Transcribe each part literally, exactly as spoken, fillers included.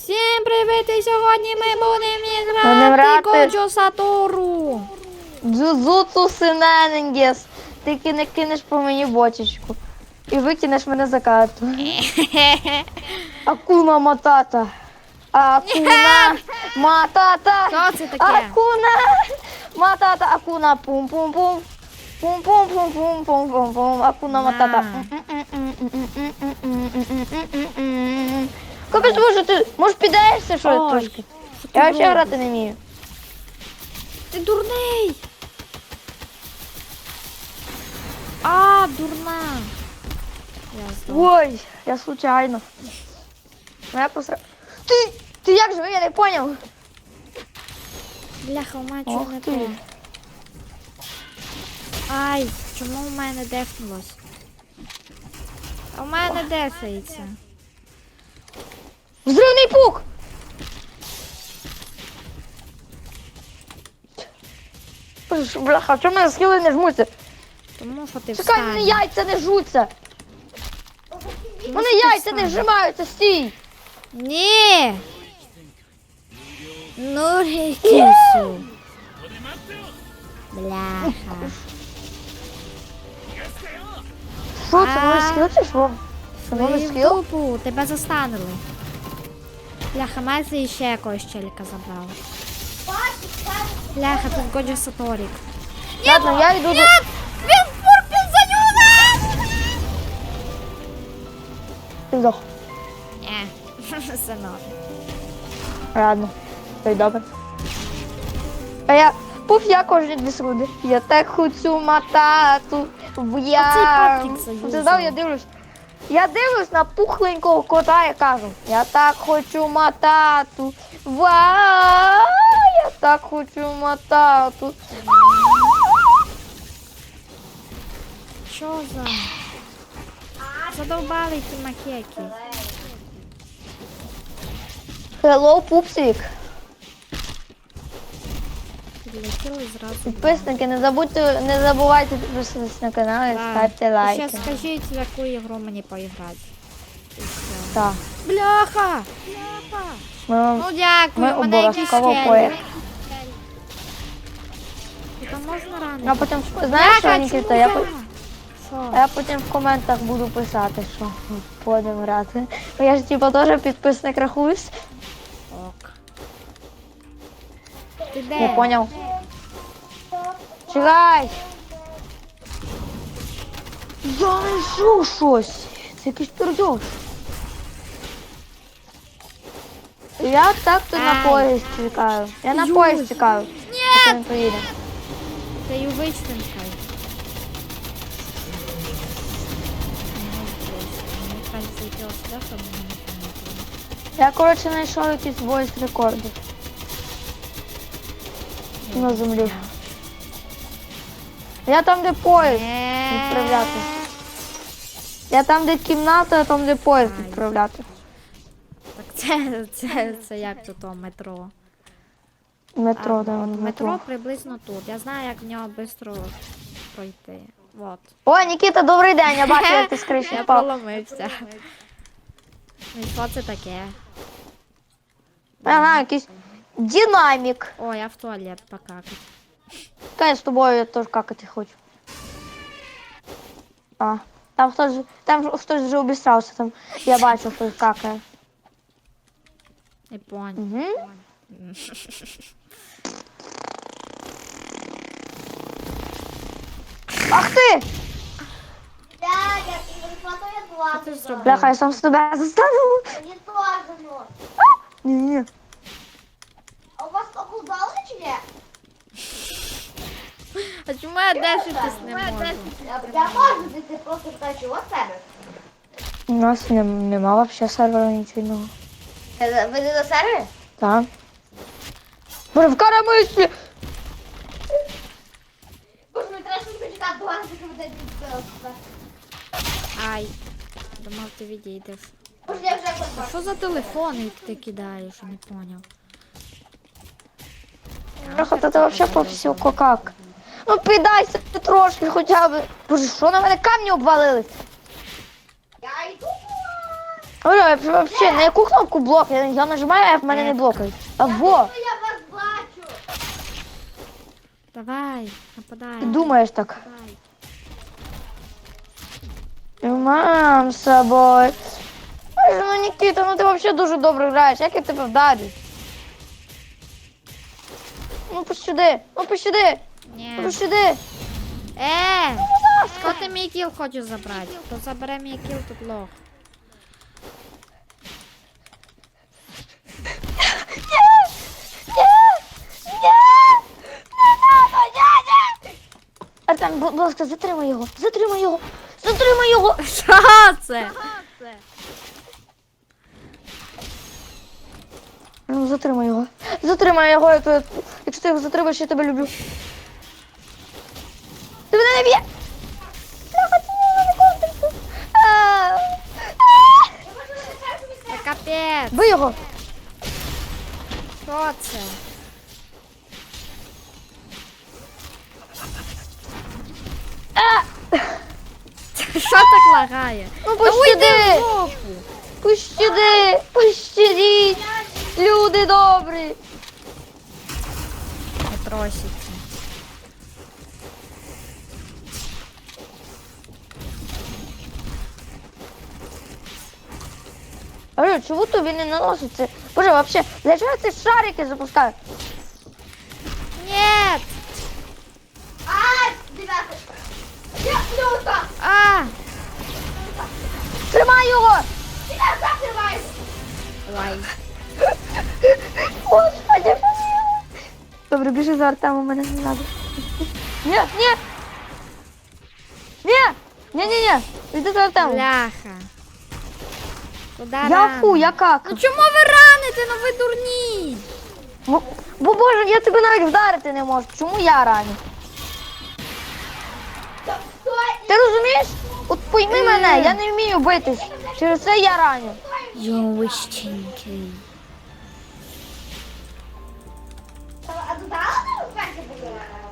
Всім привіт! І сьогодні ми будемо Будемо грати грати. Годжо Сатору. Джузуцу Синенгес. Ти кине, кинеш по мені бочечку. І викинеш мене за карту. Акуна матата. Акуна матата. Що це таке? Акуна матата. Акуна пум-пум-пум. Пум-пум-пум-пум-пум-пум-пум. Акуна матата. Капець, може ти, може піддаєшся що Ой, трошки? що ти Я взагалі робиш? грати не вмію. Ти дурний! А, дурна! Я здох. Ой, я случайно. Ну, я посра... Ти, ти як же, я не поняв. Бляха, у мене Ох чого не ти. то. Ай, чому у мене дефнулось? А у мене дефається. Взривний пук! Боже, бляха, чому мене схили не жмуться? Тому що ти Чекай, встань. мене яйця не жуться. Тому Мене що ти яйця не встань. вжимаються, стій. Ні! Ну, кису. Бляха. Що це, А. новий скіл чи що? Це новий Твою скіл? дупу, тебе застанили. Бляха, Мезі ще якогось челіка забрав. Бляха, тут Годжо Саторік. Ладно, я йду до... Він фуркнув за нього! Ти здох. Ні, все норм. Ладно, то й добре. А я... Пуф, я кожні дві секунди. Я так хочу матату в я... папік заюзав. Ти знав, я дивлюсь. Я дивлюсь на пухленького кота і кажу, я так хочу матату. Ва! Я так хочу матату. Що за? Задовбали ті макеки. Hello, пупсик. Підлетіли зразу. Підписники, не забудьте, не забувайте підписатись на канал і Так. ставте І лайки. ще скажіть, в яку ігру мені поіграти. І все. Так. Бляха! Бляха! Ми вам... Ну дякую, Ми у мене якісь обов'язково челі. поїх. Там можна ранити? А потім, знаєш що, Бляха, Нікіта, чому я, я? по- Що? я потім в коментах буду писати, що будемо грати. Бо я ж типу теж підписник рахуюсь. Ок. Ти де? Не поняв. Чекай! Я знайшов щось. Це якийсь пердьош. Я так-то на Ай. поїзд чекаю. Я на Юй. поїзд чекаю. Поки він поїде. Ти й вичтинкай. Мені треба зайти ось сюди, щоб мене не помітили. Я, коротше, знайшов якісь войс рекорди на землі. Я там, де поїзд відправляти. Я там, де кімната, а там, де поїзд Ай. відправляти. Так це, це, це як тут о, метро. Метро, А, де от воно метро метро. приблизно тут. Я знаю, як в нього швидко пройти. Вот. О, Нікіта, добрий день, я бачу, як ти з криші Я впав. проломився. Ну і що це таке? Ага, якийсь динамік. О, я в туалет покакать. Та я з тобою я теж какати хочу. А, там хтось, там хтось вже обістрався, там я бачу, хтось какає. Не понял. Угу. Ах ти! Дядя, телефон я Що ти зробив? Бляха, я сам з тебе заставив. Не тоже. Ні-ні. А у вас околдали чи ні? А чому я дешитись не можу? Я, я можу, ти, ти просто кажеш, от себе. У нас не, нема взагалі сервера нічого. Ви не до сервері? Так. Боже, в карамислі! Боже, ми треба щось почекати, до вас, поки буде відбилося. Ай. Думав, ти відійдеш. Боже, я вже А хочу. що за телефон ти кидаєш? Я не поняв. Бляха, та ти взагалі по всю кокак. Ну піддайся ти трошки хоча б. Боже, що на мене камні обвалились? Я йду. Оля, вообще, на яку кнопку блок? Я, я нажимаю, а в мене не блокають. А во, Ну, я вас бачу. Давай, нападай. ти думаєш так. Давай. Мам, з собою. Ой, ну Нікіта, ну ти взагалі дуже добре граєш, як я тебе вдарю? Ну пощади, ну пощади, ну Ні. пощади. Е! Хто ти мій кіл хочеш забрати? Хто забере мій кіл, тут лох. Артем, будь ласка, затримай його, затримай його, затримай його. Що це? Ну, затримай його, затримай його, я тебе- якщо ти його затримаєш, я тебе люблю. Ти мене не б'є. Бляха, ти мене не контриш. А, а. Це капець. Бий його. Що це? А. Що так лагає? Ну Та уйди в пощади, жопу. пощади, пощадіть, люди добрі. Не троситься. Алло, чого тобі не наноситься? Боже, вообще, для чого ці шарики запускають? Нет! А, дев'ятий. Я плюта. А! Тримай його! Я закриваю. Ой. Господи, помилуй. Добре, біжи за Артемом, мене не треба. Ні, ні! Ні! Ні, ні, ні! Йди за Артемом. Бляха. Куда Я рано? фу, я как? Ну чому ви раните? Ну ви дурні! Бо, бо боже, я тебе навіть вдарити не можу. Чому я раню? Стой. Ти розумієш? От пойми мене, я не вмію битись. Через це я раню. Йоу, щенки. А додала ти вперше була?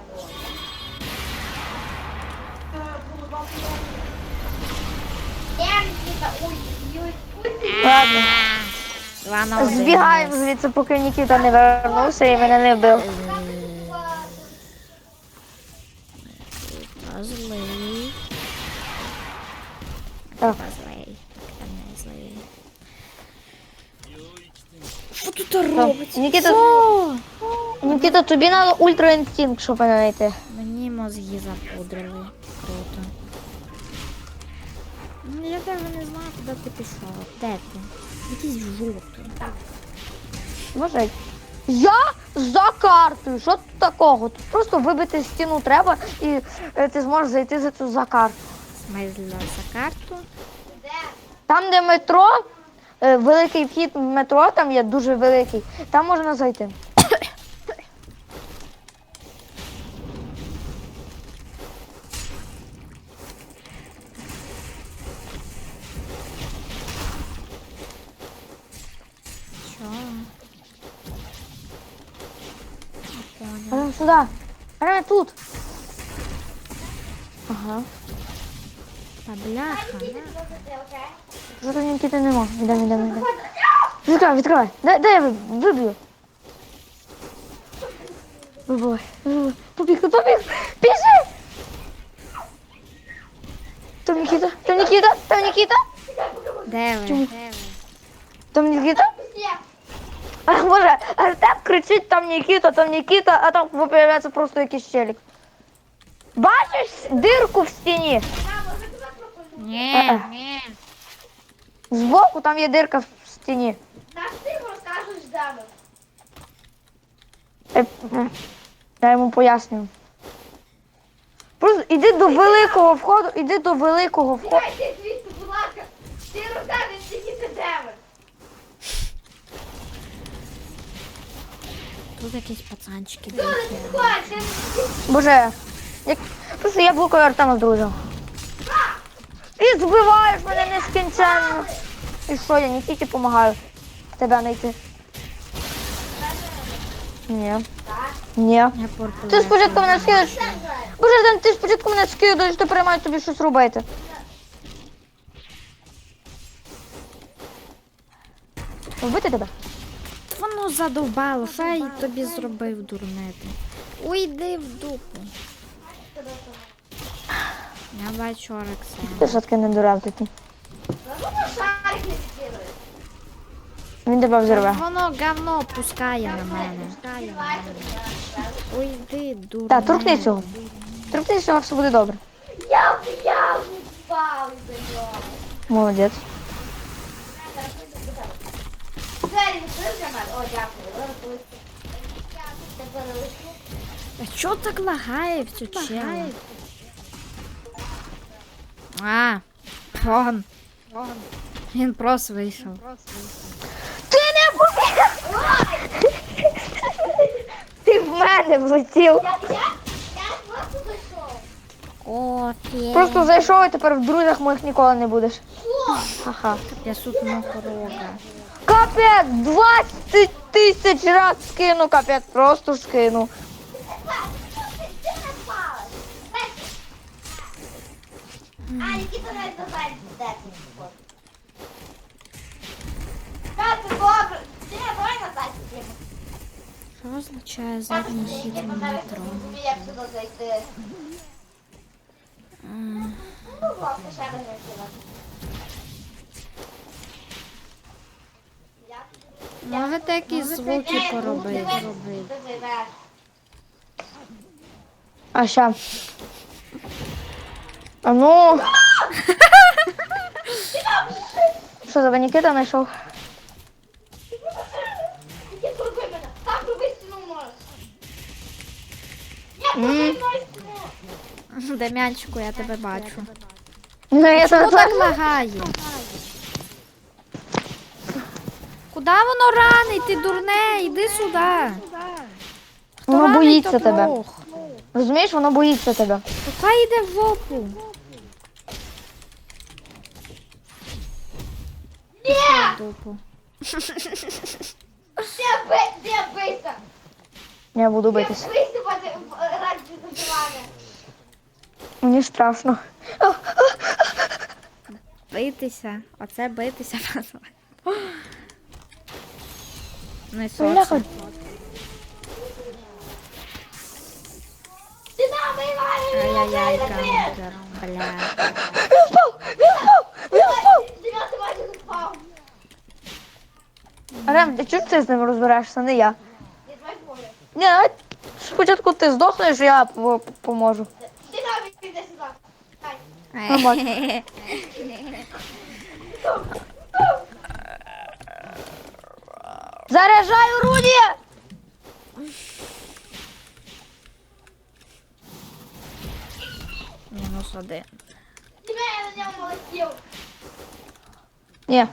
Я Нікіта, ой, ой, ой. Ладно. Два на один. Збігаємо звідси, поки Нікіта не вернувся і мене не вбив. Злий. Так. Злий. Та не злий. Що тут робиться? Нікіта- Що? Нікіта, тобі треба ультра інстинкт, щоб мене знайти. Мені мозги запудрили. Круто. Ну, я даже не знаю, куди ти пішов. Де ти? Якийсь жовтий. Боже, я за картою. Що тут такого? Тут просто вибити стіну треба і е, ти зможеш зайти за цю за карту. Смайзля за карту. Там, де метро, е, великий вхід в метро, там є дуже великий, там можна зайти. Що? Не понял. Прямо сюди. Прямо тут. Ага. Та бляха. Що тут Нікіти нема. Йдемо, йдемо, йдемо. Відкривай, відкривай. Дай, дай я виб- виб'ю. Вибивай, вибивай. Побіг, побіг. Біжи! Там Нікіта, там Нікіта, там Нікіта, Де ви? Чому? Де ви? там Нікіта. А може, Артем кричить, там Нікіта, там Нікіта, а там виявляється просто якийсь челік. Бачиш дирку в стіні? Ні, Е-е. ні. Збоку там є дирка в стіні. Наш ти розкажеш дами. Е, м. Я йому пояснюю. Просто іди до великого входу, іди до великого входу. Дайте звідси, будь ласка. Ти розкажеш тільки ти деми. Тут якісь пацанчики Ну, не бігають. підходь, ти Боже, як... просто я блокую Артема з друзем. І збиваєш мене нескінченно. І що, я не тільки допомагаю тебе знайти. Ні. Ні. Я порпу. Ти спочатку мене скидаєш. Боже, Артем, ти спочатку мене скидаєш, тепер я маю тобі щось робити. Вбити тебе? Воно задовбало, що я тобі зробив, дурнити. Уйди в дупу. Я бачу Орекса. Ти що таки не дурав такий? Шарик не відкидує. Він тебе взорве. Воно говно пускає на мене. Уйди, дурне. Так, торкни цього. Торкни цього, все буде добре. Я в яму впав із-за нього. Молодець. Двері відкрив для мене? О, дякую. Дякую. Тепер лишу. А чого так лагає в цю чела? А, он. Він просто вийшов. Ти не побіг! Ти в мене влетів. Я, я, я просто зайшов. О, фе. Просто зайшов і тепер в друзях моїх ніколи не будеш. Що? Ха-ха. Я тут мокрога. Капець, двадцять тисяч раз скину, капець, просто скину. Ти не спалась. А, Нікіта навіть не знає, де ти. Так, добре. Ти давай назад підемо. Що означає задній хід в метро? Як сюди зайти? Ну, власне, ще раз не сюди. Можете якісь звуки поробити? Ти зайдеш. А ща. А ну. Що за Нікіта знайшов? Іди пробуй мене. Так, пробуй стіну можеш. Я М. пробуй мною стіну. Дем'янчику, я тебе бачу. Ну, я Чому тебе так лагає? Куда воно ранить? Ти дурне, іди сюди. Хто Воно ранить, боїться то тебе. плох. Розумієш, воно боїться тебе. То хай йде в жопу. Ні! В дупу. Де би- де бийся? Я буду Де битись. бийся ради ради забивання? Мені страшно. Битися. Оце битися. Ну і Бляха. соце. Ти нам виймаєш! Ай-яй-яй, камбер. Бля. Він впав! Він впав! Він впав! Дев'ятий майже впав. Рем, ти чого ти з ним розбираєшся, не я? Я давай говорю. Ні, давай спочатку ти здохнеш, я по- поможу. Ти нам іди сюди. Ай. Нормально. Заряджаю орудие! Мінус один. Тебе я на ньому летів. Ні.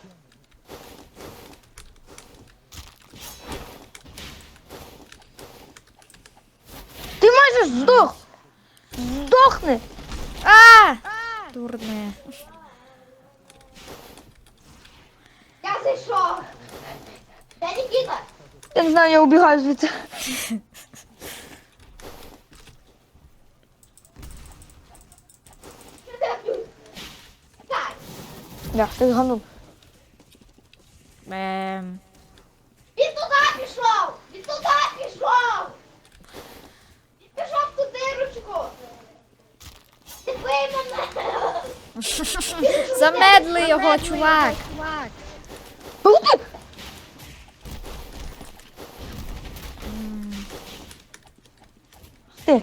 Ти майже здох! Здохни! А! Дурне. Я зайшов. Де Нікіта? Я не знаю, я убігаю звідси. Що ти робиш? Так. Я, ти зганув. Ем. Він туди пішов! Він туди пішов! Він пішов в ту дирочку! Ти бий мене! Замедли його, чувак. Ух ти! Ти.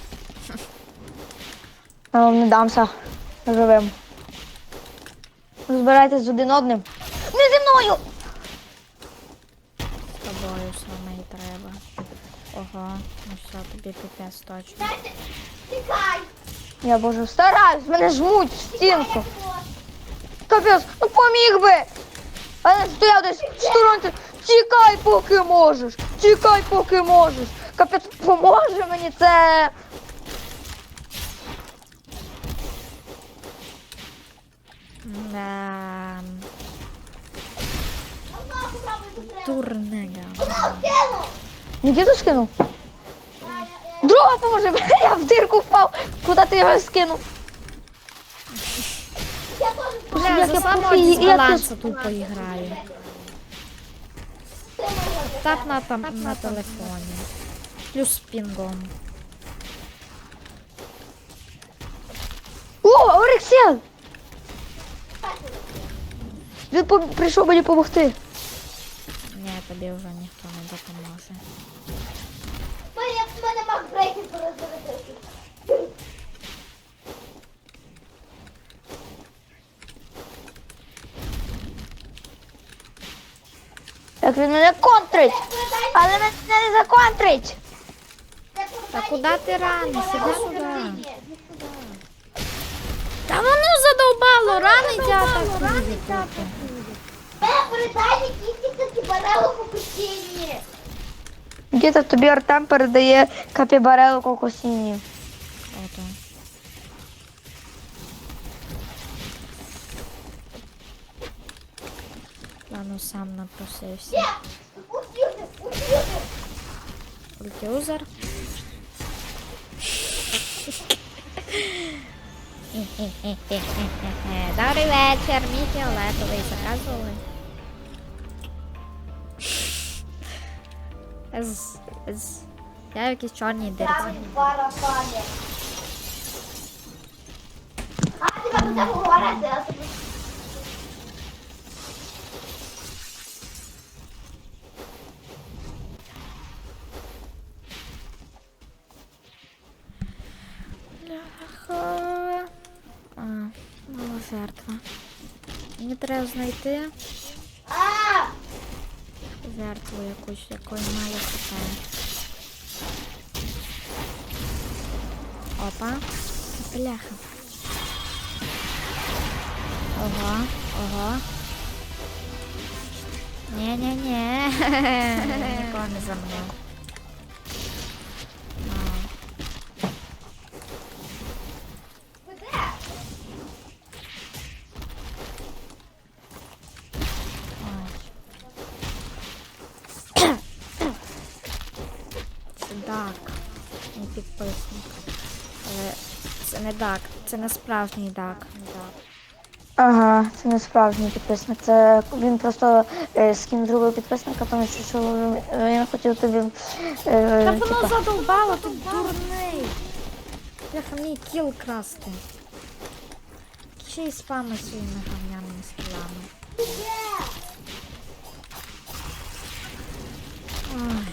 Я вам не дамся живим. Розбирайтесь з один одним. Не зі мною! З тобою саме і треба. Ого, ну все, тобі піпець точно. Дайте, тікай! Я, боже, стараюсь, мене жмуть в стінку. Тікай, Капець, ну поміг би! А не стояв десь в сторонці. Тікай, поки можеш! Тікай, поки можеш! Капець, поможе мені це! Ем, Одного попробуй тут треба. Дурне говно. Одного кинув! Нікіту скинув? Друга поможе, я в дирку впав. Куди ти його скинув? Я теж Бля, Як за я самого профі- як я дисбаланса тупо граю. Став на, там, на телефоні. Плюс з пінгом. О, Орексіан! Він по- прийшов мені допомогти. Ні, тобі вже ніхто не допоможе. Мене, мене макбрейкер порозбережити. Як він мене контрить! Але мене не законтрить! Та куди ти раниш? Іди сюди. Та воно задовбало, ранить я атакує тут. Мене передай якісь такі барелу по кутіні. Діти, тобі Артем передає капібарелу кокосіні. Ото. Ладно, сам напросився. Є! Ультюзер, ультюзер. Ультюзер. Добрий вечір, мій фіолетовий, заказували. З, з, я в якійсь чорній дирці. Там барабани. А, тебе буде говорити, а тобі... Ха. А, мала жертва. Мені треба знайти А! жертву якусь, якої мало хп. Опа. Бляха. Ого, ого. Ні-ні-ні. Нікого не замнув. Ви де? Це Дак, мій підписник. Але це не Дак, це не справжній Дак. Ага, це не справжній підписник. Це він просто е, скін другого підписника, тому що, що він, він хотів тобі. Е, Та воно типа, задовбало, ти дурний. Бляха, мій кіл красти. Ще й спами своїми гавняними скілами. Ой.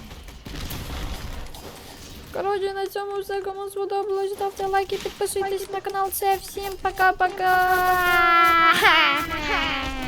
Коротше, на цьому все. Кому сподобалось, ставте лайки, підписуйтесь на канал. Це всім пока-пока.